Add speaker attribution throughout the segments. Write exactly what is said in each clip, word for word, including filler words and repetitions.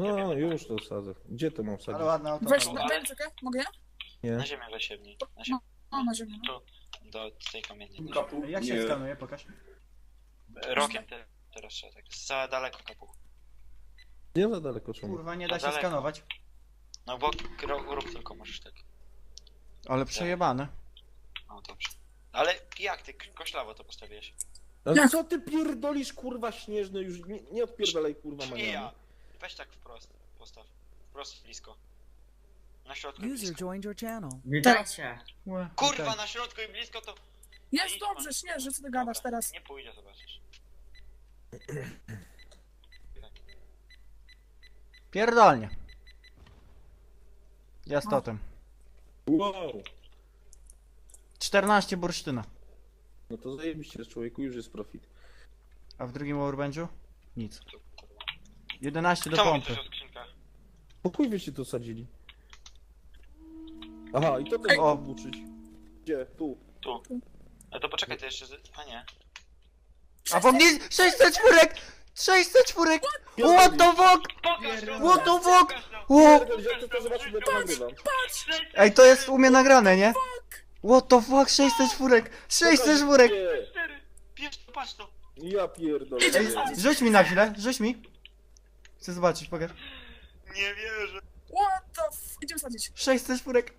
Speaker 1: No już to wsadzę. Gdzie to mam
Speaker 2: Ale
Speaker 1: wsadzić?
Speaker 2: ładne auto.
Speaker 3: Weź,
Speaker 2: panowie.
Speaker 3: daj mi czekaj, mogę ja?
Speaker 1: Nie.
Speaker 4: Na ziemię zasiebnij. Na ziemię.
Speaker 3: O, na ziemię. No.
Speaker 4: Tu, do tej kamieni.
Speaker 5: Kapu?
Speaker 2: Jak się
Speaker 5: Nie.
Speaker 2: skanuje, pokaż.
Speaker 4: Rokiem te, teraz trzeba tak. Za daleko kapuch.
Speaker 1: Nie za daleko czemu.
Speaker 2: Kurwa, nie da
Speaker 4: To
Speaker 2: się
Speaker 4: daleko.
Speaker 2: skanować.
Speaker 4: No bo ro- rób tylko możesz tak.
Speaker 2: Ale przejebane.
Speaker 4: No dobrze. Ale jak ty koślawo to postawiłeś?
Speaker 1: Ale
Speaker 3: Jak?
Speaker 1: co ty pierdolisz kurwa śnieżny już? Nie, nie odpierdalaj kurwa
Speaker 4: Nie
Speaker 1: maniami.
Speaker 4: ja. Weź tak wprost. Postaw. Wprost blisko. Na środku i
Speaker 6: User
Speaker 4: blisko.
Speaker 6: joined your channel.
Speaker 7: Witajcie.
Speaker 2: Łe,
Speaker 4: Kurwa
Speaker 2: witaj.
Speaker 4: na środku i blisko to...
Speaker 3: Jest
Speaker 4: Idź,
Speaker 3: dobrze,
Speaker 4: man.
Speaker 3: śnieży, co ty gadasz
Speaker 4: Dobra,
Speaker 3: teraz?
Speaker 4: Nie pójdzie, zobaczysz.
Speaker 2: Pierdolnie. Jest
Speaker 3: No.
Speaker 2: totem.
Speaker 1: Wow.
Speaker 2: czternaście bursztyna.
Speaker 1: No to zajebiście człowieku, już jest profit.
Speaker 2: A w drugim workbenchu? Nic. jedenaście do
Speaker 4: Kto mówi
Speaker 2: pompy.
Speaker 4: coś o skrzynkach?
Speaker 1: Po chuj wyście to sadzili? Aha, i to też
Speaker 2: O.
Speaker 1: obuczyć. Gdzie? Tu.
Speaker 4: Tu. Ale to poczekaj, to jeszcze... z- A nie.
Speaker 2: A po mnie sześćset czwórek! sześćset czwórek! What the fuck!
Speaker 4: Pokaż to!
Speaker 2: What the fuck?
Speaker 4: Pokaż to!
Speaker 2: Ło!
Speaker 1: Pierdol, jak to to zobaczyć, bo to nagrywam.
Speaker 2: Ej, to jest u mnie nagrane, nie? What the fuck? sześćset czwórek! sześćset czwórek!
Speaker 1: Nie.
Speaker 4: Cztery! Bierz to, patrz to!
Speaker 1: Ja pierdolę.
Speaker 2: Ej, rzuć mi na chwilę, rzuć mi. Chcę zobaczyć, pokaż.
Speaker 4: Nie wierzę.
Speaker 3: What the f... Idziemy sadzić.
Speaker 2: sześćset czwórek.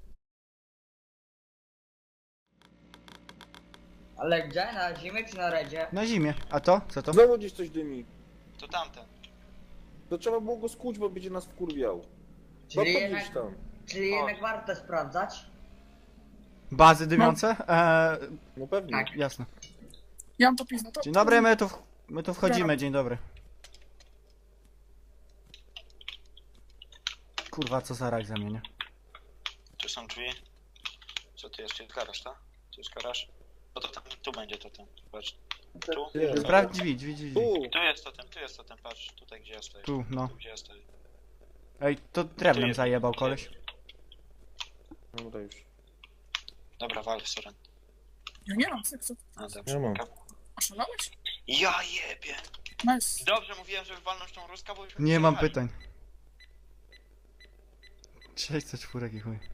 Speaker 7: Ale gdzie? Na zimie czy na redzie?
Speaker 2: Na zimie. A to? Co to?
Speaker 1: Znowu gdzieś coś dymi.
Speaker 4: To tamten.
Speaker 1: To trzeba było go skuć, bo będzie nas wkurwiał. No
Speaker 7: Czyli
Speaker 1: to
Speaker 7: jednak,
Speaker 1: gdzieś tam.
Speaker 7: czyli jednak warto sprawdzać.
Speaker 2: Bazy dymiące? Eee,
Speaker 1: No pewnie.
Speaker 7: Tak.
Speaker 2: jasne.
Speaker 3: Ja mam to pizno, to...
Speaker 2: Dzień dobry, my tu, w- my tu wchodzimy, dzień dobry. Kurwa, co za rak ze mnie, nie?
Speaker 4: Tu są drzwi. Co tu jest? Tu jest garaż, tak? Tu jest garaż. No to tam, tu będzie to ten. Patrz. Tu.
Speaker 1: Nie.
Speaker 2: Sprawdź drzwi, drzwi, drzwi. drzwi.
Speaker 1: Tu.
Speaker 4: Tu jest to ten, tu jest to ten, patrz. Tutaj gdzie ja stoję.
Speaker 2: Tu, no.
Speaker 4: Tu gdzie ja stoję.
Speaker 2: Ej, to drewnem zajebał koleś.
Speaker 1: Dobra już.
Speaker 4: Dobra, wal, Soren.
Speaker 3: Ja nie mam, syk, co?
Speaker 4: A, dobrze.
Speaker 1: Ja mam.
Speaker 3: Oszalałeś?
Speaker 4: Ja jebie!
Speaker 3: Nice.
Speaker 4: Dobrze mówiłem, żeby walnąć tą ruskę, bo już...
Speaker 2: Nie mam
Speaker 4: przyjechali.
Speaker 2: pytań. sześćset czwórek i chuj.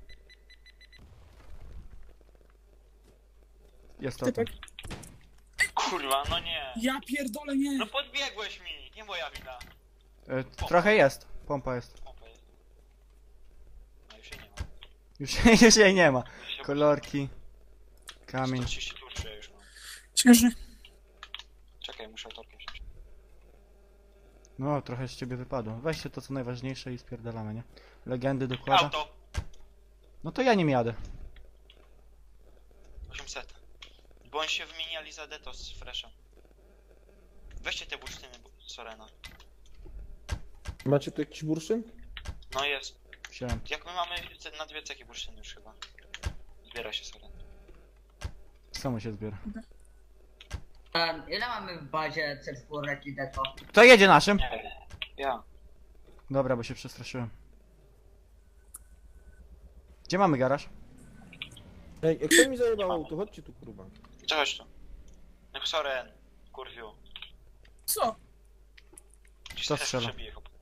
Speaker 2: Jest to.
Speaker 3: Typek.
Speaker 4: Kurwa, no nie.
Speaker 3: Ja pierdolę, nie.
Speaker 4: No podbiegłeś mi, nie moja wina.
Speaker 2: E, trochę jest. Pompa jest.
Speaker 4: Pompa jest. No już jej nie ma.
Speaker 2: Już, już jej nie ma.
Speaker 4: Już się
Speaker 2: Kolorki. Kamień.
Speaker 4: sto trzydzieści turszy ja już mam.
Speaker 3: Śnieżny.
Speaker 4: Czekaj, muszę autorkiem wziąć.
Speaker 2: No, trochę z ciebie wypadło. Weźcie to co najważniejsze i spierdalamy, nie? Legendy dokłada.
Speaker 4: Auto!
Speaker 2: No to ja nim jadę.
Speaker 4: osiemset. Bo oni się wymieniali za Detos z Freshem. Weźcie te bursztyny Sorena.
Speaker 1: Macie tu jakiś bursztyn?
Speaker 4: No jest.
Speaker 2: Wziąłem.
Speaker 4: Jak my mamy ce- na dwie cechy bursztyny już chyba. Zbiera się Soren.
Speaker 2: Samo się zbiera.
Speaker 7: Um, ile mamy w bazie C cztery i deto?
Speaker 2: Kto jedzie naszym?
Speaker 4: Nie. Ja.
Speaker 2: Dobra, bo się przestraszyłem. Gdzie mamy garaż?
Speaker 1: Ej, jak to mi zajebał auto, chodźcie tu kurwa.
Speaker 4: Czegoś tu. No Soren. Kurwiu.
Speaker 3: Co?
Speaker 4: Gdzieś
Speaker 2: Kto
Speaker 4: teraz
Speaker 2: strzela?
Speaker 4: przebije chyba.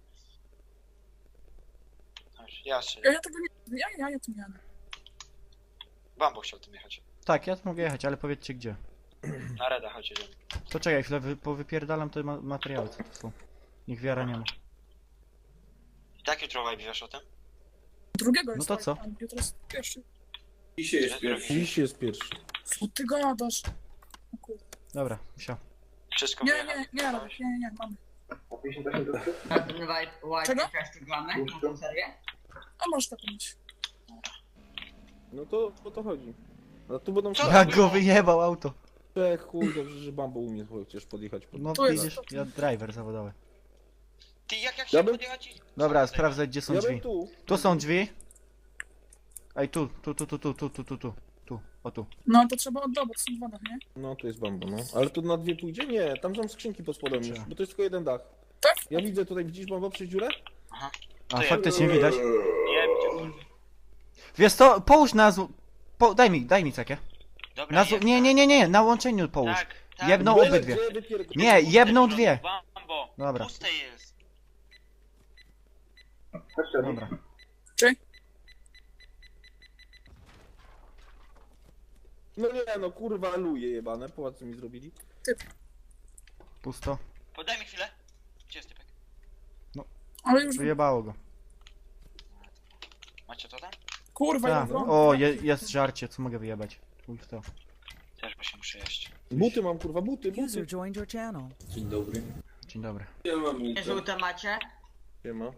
Speaker 4: Chodź, Ja
Speaker 3: Ja,
Speaker 4: strzelę.
Speaker 3: ja tego nie... Ja, ja, ja tu nie jadę.
Speaker 4: Bambo chciał tym jechać.
Speaker 2: Tak, ja tu mogę jechać, ale powiedzcie gdzie.
Speaker 4: Na Reda chodź, jedziemy.
Speaker 2: To czekaj chwilę, wy, powypierdalam te ma materiały, co to są. Niech wiara nie ma.
Speaker 4: I tak jutro vibe wiesz o tym?
Speaker 3: Drugiego
Speaker 2: No
Speaker 3: jest.
Speaker 2: to
Speaker 3: tak,
Speaker 2: co?
Speaker 3: a Jutro jest pierwszy.
Speaker 5: Dzisiaj jest pierwszy.
Speaker 1: Dziś jest pierwszy.
Speaker 3: Co ty gadasz? O kurde.
Speaker 2: Dobra, wsiał.
Speaker 4: Wszystko
Speaker 3: Nie,
Speaker 4: wyjechał.
Speaker 3: nie, nie, nie, nie, nie, nie, mamy.
Speaker 7: Na ten white, white
Speaker 3: Czego?
Speaker 7: jeszcze gramy? Na tą serię?
Speaker 3: A możesz tak mieć.
Speaker 1: No to o to chodzi. No tu będą
Speaker 4: Co?
Speaker 2: Jak go wyjebał auto.
Speaker 1: trzech, chuj, dobrze, że Bambo umie chociaż podjechać pod...
Speaker 2: No
Speaker 3: Tu jest-
Speaker 2: widzisz, ja driver zawodowy.
Speaker 4: Ty jak jak
Speaker 1: Ja
Speaker 4: się
Speaker 1: bym-
Speaker 4: podjechać i...
Speaker 2: Dobra,
Speaker 4: Co
Speaker 2: sprawdzaj gdzie są
Speaker 1: Ja
Speaker 2: drzwi.
Speaker 1: bym tu.
Speaker 2: Tu są drzwi. Ej, tu, tu, tu, tu, tu, tu, tu, tu, tu, tu, o tu.
Speaker 3: No to trzeba oddobać, są dwa dach, nie?
Speaker 1: No to jest Bambo, no. Ale tu na dwie pójdzie? Nie, tam są skrzynki pod spodem już,
Speaker 2: Trzeba.
Speaker 1: bo to jest tylko jeden dach.
Speaker 3: Tak?
Speaker 1: Ja widzę tutaj, widzisz Bambo przez dziurę?
Speaker 4: Aha.
Speaker 2: A
Speaker 4: To ja-
Speaker 2: faktycznie widać.
Speaker 4: Nie, gdzie...
Speaker 2: Wiesz co, połóż na zł... Po, daj mi, daj mi cekię.
Speaker 4: Dobra,
Speaker 2: Na zł...
Speaker 4: jest.
Speaker 2: Nie, nie, nie, nie, na łączeniu połóż.
Speaker 4: Tak, tak.
Speaker 2: Jedną
Speaker 1: Byle
Speaker 2: obydwie.
Speaker 1: gdzie wypierd-
Speaker 2: Nie, jedną dwie.
Speaker 4: Bambo,
Speaker 2: Dobra.
Speaker 4: puste jest.
Speaker 2: Dobra.
Speaker 3: Czy?
Speaker 1: No nie no, kurwa luje jebane, popatrz co mi zrobili.
Speaker 2: Pusto.
Speaker 4: Podaj mi chwilę. Gdzie jest typek?
Speaker 3: Ale już...
Speaker 2: Wyjebało go.
Speaker 4: Macie to tam?
Speaker 3: Kurwa,
Speaker 2: Ta.
Speaker 3: ja wrąb.
Speaker 2: O, je, jest żarcie, co mogę wyjebać? Chuj w to.
Speaker 4: Też bo się muszę jeść.
Speaker 1: Buty mam kurwa, buty, buty.
Speaker 6: User joined your channel.
Speaker 5: Dzień dobry.
Speaker 2: Dzień dobry.
Speaker 5: Ja mam
Speaker 7: Nie
Speaker 5: nic.
Speaker 7: żółte macie?
Speaker 1: Nie ma.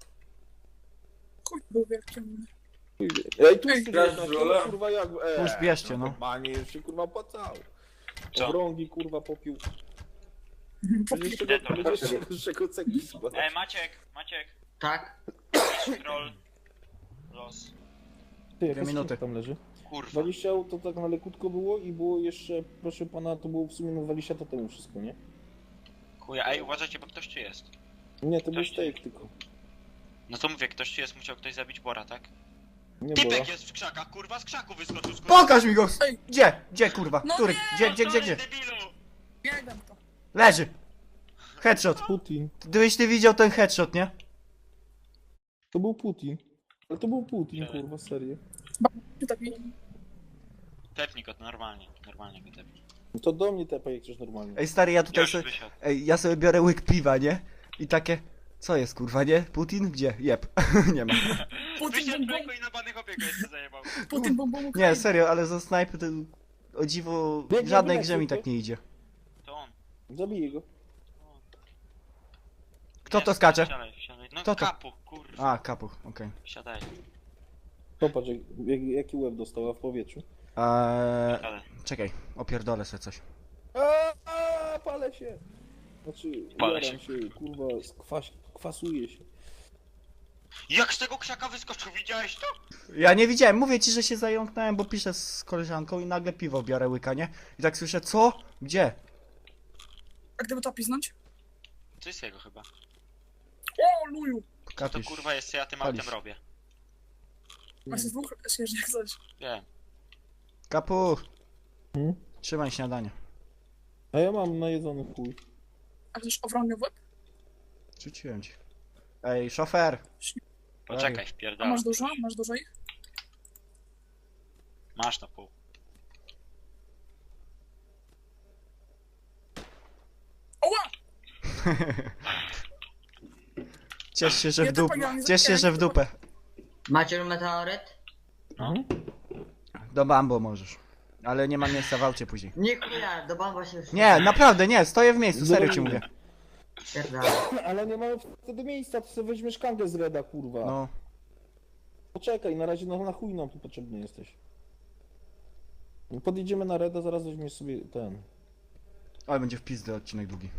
Speaker 3: Chuj był wielki.
Speaker 1: Ej, tu
Speaker 3: Ej,
Speaker 1: jest
Speaker 5: grasz
Speaker 1: jedna,
Speaker 5: w rolę?
Speaker 1: kurwa jak... Eee,
Speaker 2: Już bierzcie, no.
Speaker 1: Normalnie już się kurwa opłacało.
Speaker 4: Co?
Speaker 1: Obrągi kurwa popił. Będzie z czego,
Speaker 4: Idę to.
Speaker 1: będzie z czego, z czego cegli składać.
Speaker 4: Ej, Maciek, Maciek.
Speaker 7: Tak?
Speaker 4: Troll. Los.
Speaker 1: Ty, jaka
Speaker 2: minuty.
Speaker 1: skrzynka tam leży?
Speaker 4: Kurwa.
Speaker 1: dwadzieścia to tak na lekutko było i było jeszcze, proszę pana, to było w sumie no dwadzieścia to temu wszystko, nie?
Speaker 4: Chuja, ej, uważajcie, bo ktoś tu jest.
Speaker 1: Nie, to był
Speaker 4: Ktoś-
Speaker 1: steak tylko.
Speaker 4: No to mówię, ktoś tu jest, musiał ktoś zabić Bora, tak?
Speaker 1: Nie było.
Speaker 4: Typek jest w krzakach, kurwa, z krzaku wyskoczył z
Speaker 2: Pokaż mi go!
Speaker 3: Ej.
Speaker 2: Gdzie? Gdzie kurwa?
Speaker 3: No
Speaker 2: Który?
Speaker 3: nie,
Speaker 2: Gdzie, gdzie, gdzie, gdzie?
Speaker 4: Debilu!
Speaker 3: Biegam to.
Speaker 2: Leży! Headshot!
Speaker 1: Putin.
Speaker 2: Gdybyś ty widział ten headshot, nie?
Speaker 1: To był Putin. Ale to był Putin,
Speaker 4: Siadaj.
Speaker 1: kurwa, serio.
Speaker 3: Ty taki...
Speaker 4: Tepnij go, normalnie, normalnie go tepnij.
Speaker 1: No to do mnie tepaj jak coś normalnie.
Speaker 2: Ej stary, ja tutaj
Speaker 4: Już
Speaker 2: sobie...
Speaker 4: wysiadł.
Speaker 2: Ej, ja sobie biorę łyk piwa, nie? I takie... Co jest kurwa, nie? Putin? Gdzie? Jeb. Nie ma.
Speaker 3: Putin
Speaker 4: Wysiadł
Speaker 3: bum bum.
Speaker 4: człowieku i na banych obiegu jeszcze zajebał.
Speaker 3: Putin bum bum.
Speaker 2: Nie, serio, ale za snajpy to... O dziwo, w
Speaker 1: Biegnie,
Speaker 2: żadnej
Speaker 1: biegnie,
Speaker 2: grze mi
Speaker 1: szybko.
Speaker 2: tak nie idzie.
Speaker 4: To on.
Speaker 1: Zabiję go.
Speaker 2: Kto
Speaker 4: Nie,
Speaker 2: to skacze?
Speaker 4: Siadaj, siadaj. No
Speaker 2: Kto to?
Speaker 4: kapu, kurwa.
Speaker 2: A, kapuch, okej.
Speaker 4: Siadaj.
Speaker 1: Popatrz, jak, jak, jaki łeb dostała w powietrzu.
Speaker 2: Eee,
Speaker 4: Siadaj.
Speaker 2: czekaj, opierdolę sobie coś.
Speaker 1: Aaaa, palę się! Znaczy,
Speaker 4: Palę
Speaker 1: jaram się, kurwa, skwas, kwasuje się.
Speaker 4: Jak z tego krzaka wyskoczył, widziałeś to?
Speaker 2: Ja nie widziałem, mówię ci, że się zająknąłem, bo piszę z koleżanką i nagle piwo biorę łyka, nie? I tak słyszę, co? Gdzie?
Speaker 3: A gdyby to piznąć?
Speaker 4: To jest jego chyba.
Speaker 3: O, luju.
Speaker 4: To
Speaker 2: Kapisz.
Speaker 4: kurwa jest, co ja tym
Speaker 2: Palisz.
Speaker 4: autem robię.
Speaker 3: A z dwóch jeżdżę jak coś.
Speaker 4: Wiem.
Speaker 2: Kapuch!
Speaker 1: Hmm?
Speaker 2: Trzymaj śniadanie.
Speaker 1: A ja mam najedzony chuj.
Speaker 3: A chcesz owrągę w łeb?
Speaker 2: Rzuciłem ci. Ej, szofer!
Speaker 4: Poczekaj,
Speaker 3: A
Speaker 4: wpierdolę.
Speaker 3: masz dużo? Masz dużo ich?
Speaker 4: Masz na pół.
Speaker 3: Oła!
Speaker 2: Ciesz się, że
Speaker 3: Ja
Speaker 2: w
Speaker 3: to
Speaker 2: dupę.
Speaker 3: pagałem,
Speaker 2: Ciesz się, że w dupę.
Speaker 7: Macie meteoryt?
Speaker 4: No.
Speaker 2: Do Bambo możesz. Ale nie ma miejsca w aucie później.
Speaker 7: Nie chuja, do bomba się już...
Speaker 2: Nie, naprawdę nie, stoję w miejscu, serio ci
Speaker 1: Dobra.
Speaker 2: mówię.
Speaker 7: Pierdolę.
Speaker 1: Ale nie mamy wtedy miejsca, to sobie weźmiesz kangę z Reda, kurwa.
Speaker 2: No,
Speaker 1: Poczekaj, na razie no, na chuj nam tu potrzebny jesteś. Podjedziemy na Reda, zaraz weźmiesz sobie ten.
Speaker 2: ale będzie w pizdę odcinek długi.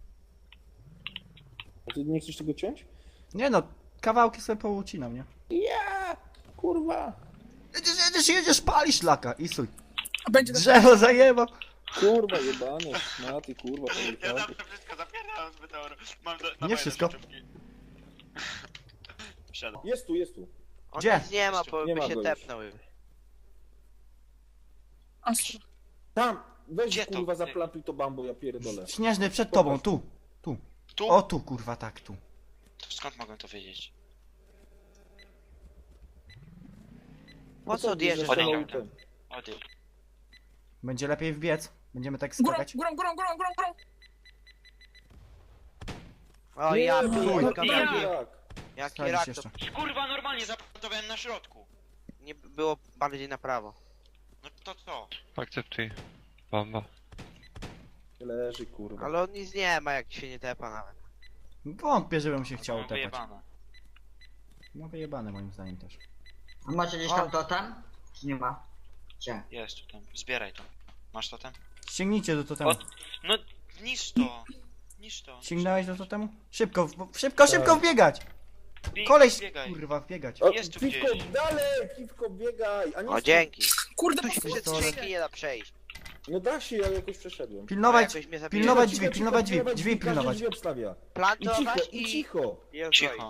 Speaker 1: A ty nie chcesz tego ciąć?
Speaker 2: Nie no, kawałki sobie poucinam, nie?
Speaker 1: Ja, kurwa.
Speaker 2: Jedziesz, jedziesz, jedziesz, palisz laka i suj.
Speaker 3: A będzie tak.
Speaker 2: Drzewo zajeba.
Speaker 1: Kurwa, jebane, szmaty, kurwa.
Speaker 4: Ja
Speaker 1: pojechałem.
Speaker 4: zawsze wszystko zapierdalam z meteoru. Mam do,
Speaker 2: Nie wszystko.
Speaker 4: Wsiadam.
Speaker 1: Jest tu, jest tu.
Speaker 8: On
Speaker 2: Gdzie?
Speaker 8: nic nie ma, bo
Speaker 1: Nie
Speaker 8: by
Speaker 1: ma
Speaker 8: się
Speaker 1: go już.
Speaker 8: tepnął.
Speaker 3: Astro.
Speaker 1: Tam, weź
Speaker 4: Gdzie to?
Speaker 1: kurwa zaplantuj to bambo, ja pierdolę.
Speaker 2: Śnieżny przed tobą, tu. Tu.
Speaker 4: Tu?
Speaker 2: O tu, kurwa, tak, tu.
Speaker 4: To skąd mogę to wiedzieć?
Speaker 8: Po co odjeżdżasz?
Speaker 1: Zresztą
Speaker 4: Odjeżdżam.
Speaker 1: ten.
Speaker 4: Odjedź.
Speaker 2: Będzie lepiej wbiec. Będziemy tak
Speaker 3: Górą,
Speaker 2: skakać.
Speaker 3: górą, górą, górą, górą, górą.
Speaker 8: O ja
Speaker 1: Nie,
Speaker 8: pierdolę,
Speaker 1: no,
Speaker 8: jaki
Speaker 1: jak?
Speaker 8: jaki
Speaker 2: Sprawdzić
Speaker 8: rak, to
Speaker 2: jeszcze.
Speaker 4: Kurwa, normalnie zaplantowałem na środku.
Speaker 8: nie było bardziej na prawo.
Speaker 4: No to co?
Speaker 9: Akceptuj. Bomba.
Speaker 1: Leży, kurwa.
Speaker 8: Ale on nic nie ma, jak się nie tepa nawet.
Speaker 2: Wątpię, żebym się chciał
Speaker 4: Mam
Speaker 2: tepać.
Speaker 4: wyjebane.
Speaker 2: No wyjebane moim zdaniem też.
Speaker 7: A macie gdzieś tam totem? Czy nie ma? Gdzie?
Speaker 4: Jest tu ten. Zbieraj to. Masz to ten?
Speaker 2: Sięgnijcie do totemu.
Speaker 4: O, no, niż to. Niż to.
Speaker 2: Sięgnąłeś do totemu? Szybko, w- szybko, szybko
Speaker 1: Tak.
Speaker 2: wbiegać!
Speaker 4: Bieg,
Speaker 2: Koleś,
Speaker 4: biegaj.
Speaker 2: kurwa, wbiegać.
Speaker 1: O,
Speaker 4: Jest tu
Speaker 1: piwko,
Speaker 4: gdzieś.
Speaker 1: dalej, piwko, biegaj, a nie
Speaker 8: O
Speaker 1: stój.
Speaker 8: dzięki.
Speaker 3: Kurde,
Speaker 8: Tu się
Speaker 3: posłuchaj
Speaker 8: przez skrzynki nie da przejść.
Speaker 1: No da się, ja jakoś przeszedłem.
Speaker 2: Pilnować,
Speaker 8: Jakoś mnie zabije.
Speaker 2: pilnować
Speaker 1: Cicho,
Speaker 2: drzwi,
Speaker 1: cicho,
Speaker 2: pilnować drzwi,
Speaker 1: pilnować
Speaker 2: drzwi
Speaker 1: każdy
Speaker 2: pilnować.
Speaker 1: drzwi obstawia. I cicho,
Speaker 8: Plantować
Speaker 1: i
Speaker 8: i...
Speaker 1: cicho.
Speaker 8: i rozbroić.
Speaker 4: Cicho.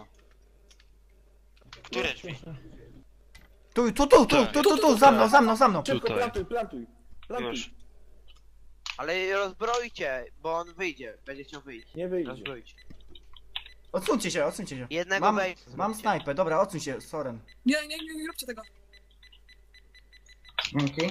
Speaker 4: Które drzwi?
Speaker 2: Tu, tu, tu, tu, tu, tu, tu, za mną, za mną, za mną.
Speaker 1: Szybko,
Speaker 9: Tutaj.
Speaker 1: plantuj, plantuj. Plantuj.
Speaker 4: Już.
Speaker 8: Ale rozbroicie, bo on wyjdzie. Będzie chciał wyjść.
Speaker 1: Nie wyjdzie.
Speaker 8: Rozbroić.
Speaker 2: Odsuńcie się, odsuńcie się.
Speaker 8: Jednego
Speaker 2: Mam,
Speaker 8: wejścia
Speaker 2: mam
Speaker 8: zróbcie.
Speaker 2: snajpę, dobra, odsuń się, Soren.
Speaker 3: Nie, nie, nie, nie róbcie tego.
Speaker 7: Dzięki.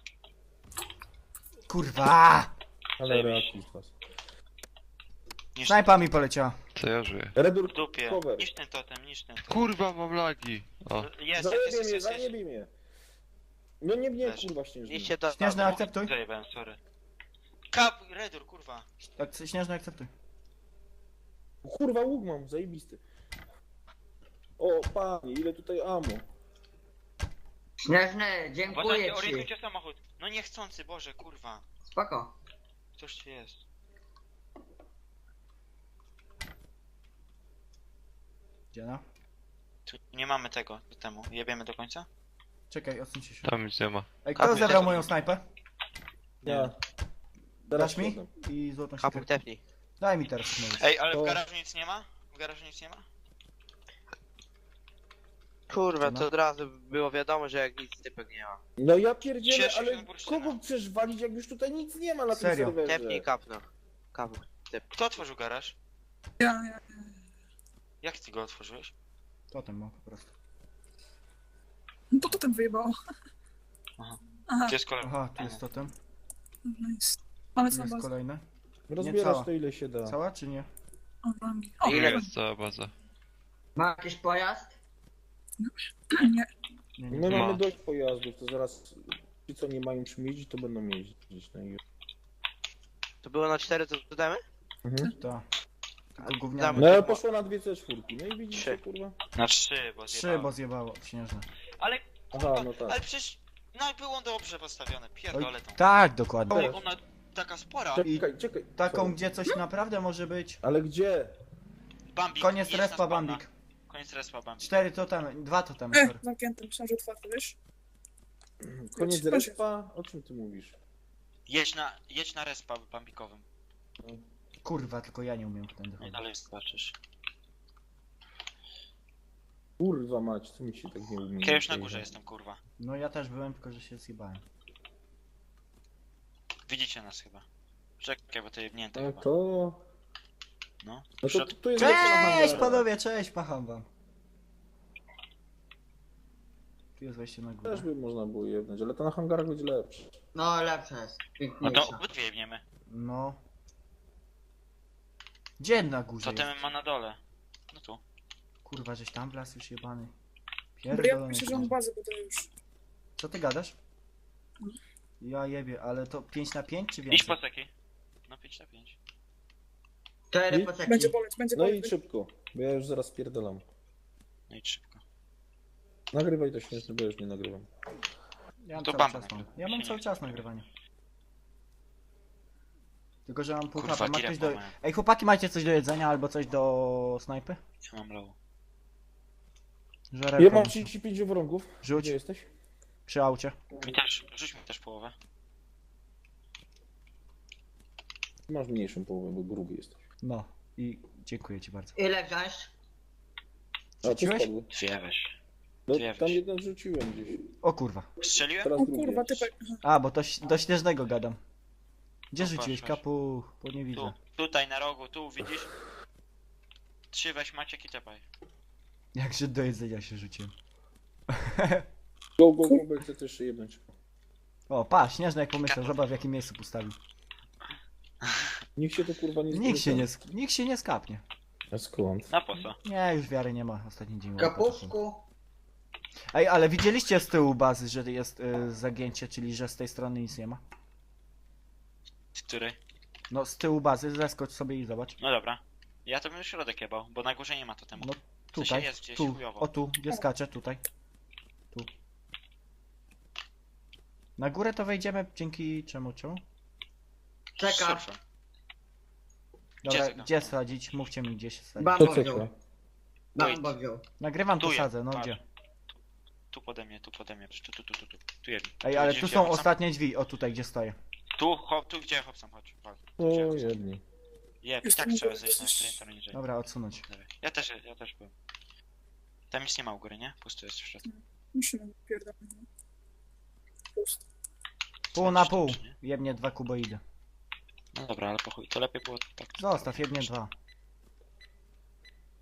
Speaker 2: Kurwa!
Speaker 1: Ale
Speaker 4: Zajebiście.
Speaker 1: reakcji z was.
Speaker 4: Niż
Speaker 2: Snajpa mi poleciała.
Speaker 9: Co ja żyję?
Speaker 1: Redur,
Speaker 4: w dupie.
Speaker 1: cover.
Speaker 4: Niż ten totem, niż ten totem.
Speaker 9: Kurwa, mam lagi. O,
Speaker 4: Jest, jest,
Speaker 1: Zajebie
Speaker 4: jest,
Speaker 1: mnie,
Speaker 4: jest, jest.
Speaker 1: zajebie mnie. No nie mnie,
Speaker 4: Leży.
Speaker 1: kurwa, śnieżny.
Speaker 8: Niszcie to.
Speaker 2: Śnieżny, akceptuj.
Speaker 4: Zajebałem, sorry. Kap, Redur, kurwa.
Speaker 2: Tak, śnieżny, akceptuj.
Speaker 1: Kurwa, łuk mam, zajebisty. O, panie, ile tutaj amo.
Speaker 7: Śnieżny,
Speaker 4: Uważajcie,
Speaker 7: dziękuję ci.
Speaker 4: orientujcie samochód. No niechcący, Boże, kurwa.
Speaker 7: Spoko.
Speaker 4: Ktoś tu jest.
Speaker 2: Gdzie no?
Speaker 4: Tu nie mamy tego do temu. Jebiemy do końca?
Speaker 2: Czekaj, odsuńcie się.
Speaker 9: tam nic nie ma.
Speaker 2: Ej, kto
Speaker 8: Kapuj,
Speaker 2: zabrał
Speaker 8: też-
Speaker 2: moją snajpę?
Speaker 1: Ja.
Speaker 2: Dasz mi?
Speaker 1: potem.
Speaker 2: I złotą
Speaker 8: Kapuj,
Speaker 2: siekierkę.
Speaker 8: tepnij.
Speaker 2: Daj mi teraz, możesz.
Speaker 4: Ej, ale
Speaker 1: To-
Speaker 4: w garażu nic nie ma? W garażu nic nie ma?
Speaker 8: Kurwa,
Speaker 2: No.
Speaker 8: to od razu było wiadomo, że jak nic typek nie ma.
Speaker 1: No ja pierdzielę,
Speaker 4: Cieszę się
Speaker 1: ale
Speaker 4: z bursztyna.
Speaker 1: kogo chcesz walić, jak już tutaj nic nie ma na
Speaker 2: Serio?
Speaker 1: tym serwerze?
Speaker 8: Tepnij kapno. Kapuj.
Speaker 4: Kto otworzył garaż?
Speaker 3: Ja, ja.
Speaker 4: Jak ty go otworzyłeś?
Speaker 2: Totem mam po prostu.
Speaker 3: No to potem wyjebało.
Speaker 4: Aha.
Speaker 3: Aha,
Speaker 4: To jest kolor.
Speaker 2: Aha, tu jest totem.
Speaker 3: nice. Mamy
Speaker 2: Tu
Speaker 3: co na
Speaker 2: jest
Speaker 3: bazę.
Speaker 2: kolejne.
Speaker 1: Rozbierasz
Speaker 2: cała.
Speaker 1: to ile się da.
Speaker 2: Cała czy nie?
Speaker 3: O, rangi. O,
Speaker 8: Ile?
Speaker 9: Jest cała baza.
Speaker 7: Ma jakiś pojazd?
Speaker 3: nie.
Speaker 2: Nie, nie.
Speaker 1: My
Speaker 9: Ma.
Speaker 1: mamy dość pojazdów, to zaraz ci co nie mają czym jeździć, to będą jeździć na ich.
Speaker 8: To było na cztery, to dodamy?
Speaker 1: Mhm.
Speaker 2: To. Tylko
Speaker 8: Damy.
Speaker 2: gówniane.
Speaker 1: No ale poszło na dwie C cztery. No i widzicie,
Speaker 8: Trzy.
Speaker 1: kurwa.
Speaker 4: Na trzy, bo
Speaker 2: Trzy,
Speaker 4: zjebało.
Speaker 2: bo zjebało śnieżne.
Speaker 4: Ale,
Speaker 1: Aha,
Speaker 4: kurwa,
Speaker 1: no tak.
Speaker 4: ale przecież... No było dobrze postawione, pierdolę tą.
Speaker 2: Tak, dokładnie.
Speaker 4: O, ona taka spora.
Speaker 1: Czekaj, czekaj.
Speaker 2: Taką,
Speaker 1: Co?
Speaker 2: gdzie coś naprawdę może być.
Speaker 1: Ale gdzie?
Speaker 4: Bambik.
Speaker 2: Koniec
Speaker 4: jest na
Speaker 2: respa,
Speaker 4: spawna.
Speaker 2: Bambik.
Speaker 4: Koniec respa, Bambik.
Speaker 2: Cztery totemy, dwa totemy,
Speaker 3: E,
Speaker 2: sorry.
Speaker 3: zamknięty, myślałem, że otwarty, wiesz?
Speaker 1: Koniec
Speaker 3: Proszę.
Speaker 1: respa? O czym ty mówisz?
Speaker 4: Jedź na, jedź na respa bambikowym.
Speaker 2: Kurwa, tylko ja nie umiem tędy
Speaker 4: I
Speaker 2: chodzić.
Speaker 4: dalej zobaczysz.
Speaker 1: Kurwa mać, co mi się tak nie umie.
Speaker 4: Ja już na górze jestem, kurwa.
Speaker 2: No ja też byłem, tylko że się zjebałem.
Speaker 4: Widzicie nas chyba. Czekaj, bo to jebnięte
Speaker 1: No
Speaker 4: chyba.
Speaker 1: to...
Speaker 4: No.
Speaker 1: No to
Speaker 4: Przed-
Speaker 1: tu jest... lepsze na
Speaker 2: Cześć
Speaker 1: hangarach.
Speaker 2: panowie, cześć, macham wam. Tu jest wejście na górę.
Speaker 1: Też by można było jebnąć, ale to na hangarach będzie lepsze.
Speaker 7: No lepsze jest.
Speaker 4: No
Speaker 7: Piękniejsze.
Speaker 4: to obydwie jebniemy.
Speaker 2: No. Gdzie na górze
Speaker 4: Co
Speaker 2: jest?
Speaker 4: ten ma na dole? No tu.
Speaker 2: Kurwa, żeś tam wlazł już jebany.
Speaker 3: Bo ja
Speaker 2: Pierdolony.
Speaker 3: myślę, że on bazę buduję już.
Speaker 2: Co ty gadasz? Ja jebie, ale to pięć na pięć czy
Speaker 4: Idź
Speaker 2: więcej?
Speaker 4: po seki. No pięć na pięć.
Speaker 7: Cztery
Speaker 1: I-
Speaker 7: poceki.
Speaker 3: Będzie boleć, będzie
Speaker 1: No
Speaker 3: boleć.
Speaker 1: i szybko, bo ja już zaraz pierdolam.
Speaker 4: No i szybko.
Speaker 1: Nagrywaj to śmieszne, bo ja już nie nagrywam.
Speaker 2: Ja mam
Speaker 4: To
Speaker 2: cały
Speaker 4: bam
Speaker 2: czas mam.
Speaker 4: nagrywa.
Speaker 2: Ja mam
Speaker 4: Się
Speaker 2: cały
Speaker 4: nie
Speaker 2: czas
Speaker 4: chce.
Speaker 2: nagrywanie. Tylko, że mam pół
Speaker 4: Kurwa,
Speaker 2: hapa. Ma
Speaker 4: tirem
Speaker 2: ktoś do...
Speaker 4: pomałem.
Speaker 2: Ej, chłopaki, macie coś do jedzenia albo coś do snajpy?
Speaker 4: Ja mam low.
Speaker 2: Żarewko
Speaker 1: Ja mam
Speaker 2: muszę.
Speaker 1: trzydzieści pięć wrągów.
Speaker 2: Rzuć
Speaker 1: Gdzie jesteś?
Speaker 2: przy aucie.
Speaker 4: Mi też, rzuć mi też połowę.
Speaker 1: Ty masz mniejszą połowę, bo gruby jesteś.
Speaker 2: No. I dziękuję ci bardzo.
Speaker 7: Ile wziąć?
Speaker 1: A, tu
Speaker 2: Rzuciłeś?
Speaker 1: spadły.
Speaker 4: Dwie weź.
Speaker 1: No,
Speaker 4: Dwie
Speaker 1: tam
Speaker 4: weź.
Speaker 1: jeden rzuciłem gdzieś.
Speaker 2: O kurwa.
Speaker 4: Strzeliłem?
Speaker 1: Teraz
Speaker 3: O
Speaker 1: drugi.
Speaker 3: kurwa, typek. Aha.
Speaker 2: A, bo to ś- do śnieżnego gadam. Gdzie
Speaker 4: No,
Speaker 2: rzuciłeś?
Speaker 4: patrz, patrz.
Speaker 2: Kapu, bo nie widzę.
Speaker 4: Tu, tutaj na rogu, tu widzisz? Trzy weź Maciek i tepaj.
Speaker 2: Jak Żyd do jedzenia się rzuciłem.
Speaker 1: Go, go, go, bo chcę też jeszcze jednąć.
Speaker 2: O, pa, śnieżny jak pomyślał, zobacz w jakim miejscu postawił.
Speaker 1: Nikt się to kurwa nie
Speaker 2: Nikt się nie,
Speaker 1: spodziewa.
Speaker 2: sk- nikt się nie skapnie.
Speaker 1: A skąd?
Speaker 4: Na po co?
Speaker 2: Nie, już wiary nie ma, ostatni dzień.
Speaker 7: Kapusku.
Speaker 2: Ej, ale widzieliście z tyłu bazy, że jest y, zagięcie, czyli że z tej strony nic nie ma?
Speaker 4: Który?
Speaker 2: No, z tyłu bazy, zeskocz sobie i zobacz.
Speaker 4: No dobra. Ja to bym środek jebał, bo na górze nie ma totemu.
Speaker 2: No,
Speaker 4: W sensie
Speaker 2: Tutaj,
Speaker 4: jest gdzieś
Speaker 2: tu,
Speaker 4: chujowo.
Speaker 2: o tu, gdzie skaczę, tutaj. Tu. Na górę to wejdziemy dzięki czemu, czemu?
Speaker 7: Czeka.
Speaker 4: Super.
Speaker 2: Dobra,
Speaker 4: Gdzie
Speaker 2: gdzie,
Speaker 4: tego?
Speaker 2: sadzić? Mówcie mi gdzie się sadzić.
Speaker 7: Bambo
Speaker 1: To
Speaker 7: wziął.
Speaker 1: czeka.
Speaker 7: Bambo wziął.
Speaker 2: Nagrywam
Speaker 4: Tu
Speaker 2: to
Speaker 4: jest,
Speaker 2: sadzę, no
Speaker 4: patrz.
Speaker 2: gdzie?
Speaker 4: Tu pode mnie, tu pode mnie. Tu, tu, tu, tu, tu. Tu jedno.
Speaker 2: Ej, ale
Speaker 4: Gdzie
Speaker 2: tu
Speaker 4: się
Speaker 2: są
Speaker 4: Hobson?
Speaker 2: ostatnie drzwi, o tutaj gdzie stoję.
Speaker 4: Tu, hop, tu gdzie Hobson, chodź. Wal. Tu,
Speaker 1: O,
Speaker 4: gdzie Hobson.
Speaker 1: jedni.
Speaker 4: Jeb, i
Speaker 3: Jest
Speaker 4: tak
Speaker 3: tam
Speaker 4: trzeba
Speaker 3: góry
Speaker 4: zejść na
Speaker 3: coś.
Speaker 4: sprinter niżej.
Speaker 2: Dobra, odsunąć.
Speaker 4: Dobra. Ja też, ja też byłem. Tam nic nie ma u góry, nie? Pusto jest w środku.
Speaker 3: Musimy pierdolę. Pust.
Speaker 2: Pół na
Speaker 4: Czy-
Speaker 2: pół.
Speaker 4: czy nie?
Speaker 2: Jebnie dwa kuboidy.
Speaker 4: No dobra, ale po chuj, to lepiej było tak.
Speaker 2: Zostaw, jebnie dwa.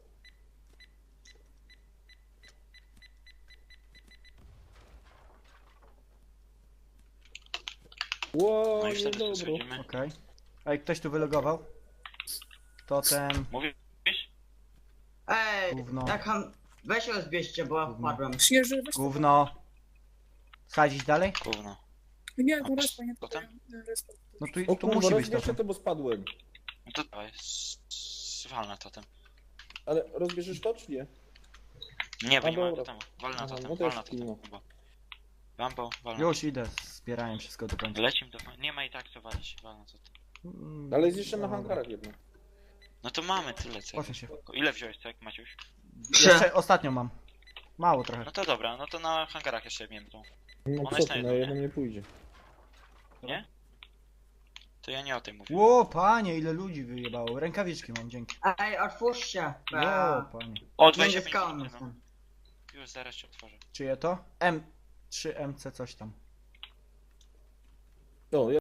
Speaker 1: Ło,
Speaker 4: No i wtedy tu
Speaker 1: niedobro.
Speaker 4: schodzimy.
Speaker 2: Okej. Ej, ktoś tu wylogował? Totem,
Speaker 4: Mówisz?
Speaker 7: Ej,
Speaker 2: Gówno.
Speaker 7: tak ham... Weź ją zbierzcie, bo ja
Speaker 2: Gówno.
Speaker 7: wpadłem.
Speaker 3: Śnieży, weź to.
Speaker 2: gówno. Sadzić dalej?
Speaker 4: Gówno.
Speaker 3: Nie, tu respa, nie
Speaker 4: Potem?
Speaker 3: tutaj. Respa.
Speaker 2: No tu,
Speaker 1: O
Speaker 2: tu
Speaker 1: kurwa,
Speaker 2: musi być
Speaker 1: rozbierzcie
Speaker 2: totem.
Speaker 1: to, bo spadłem.
Speaker 4: No to dawaj, s- s- wal na totem.
Speaker 1: Ale rozbierzesz to, czy nie?
Speaker 4: Nie, bo
Speaker 1: A
Speaker 4: nie ma
Speaker 1: dobra.
Speaker 4: totemu. Wal na
Speaker 1: Aha,
Speaker 4: totem,
Speaker 1: no to
Speaker 4: wal
Speaker 1: już
Speaker 4: na totem.
Speaker 1: pilno.
Speaker 4: Chyba. Wambo, wal na
Speaker 2: Już idę, zbierałem wszystko do końca.
Speaker 4: Lecim do... Nie ma i tak co walić, wal na totem.
Speaker 2: Mm,
Speaker 1: Ale jest jeszcze na
Speaker 2: dobra.
Speaker 1: hangarach jedno.
Speaker 4: No to mamy tyle co.
Speaker 2: Proszę się.
Speaker 4: Ile wziąłeś cek, Maciuś?
Speaker 2: Jeszcze ostatnio mam. Mało trochę.
Speaker 4: No to dobra, no to na hangarach jeszcze miętą.
Speaker 1: No
Speaker 4: Ona
Speaker 1: co
Speaker 4: jest
Speaker 1: ty,
Speaker 4: na
Speaker 1: na
Speaker 4: jedno,
Speaker 1: jedno nie pójdzie.
Speaker 4: To ja nie o tym mówię.
Speaker 2: Ło, panie, ile ludzi wyjebało. Rękawiczki mam, dzięki.
Speaker 7: Ej, otwórzcie. bo
Speaker 2: Ło,
Speaker 7: ja
Speaker 2: panie.
Speaker 4: O,
Speaker 7: Między
Speaker 4: dwadzieścia pięć
Speaker 7: skałami
Speaker 4: minut, no.
Speaker 7: jestem.
Speaker 4: Już zaraz się otworzę.
Speaker 2: Czyje to? M trzy M C coś tam.
Speaker 1: No, ja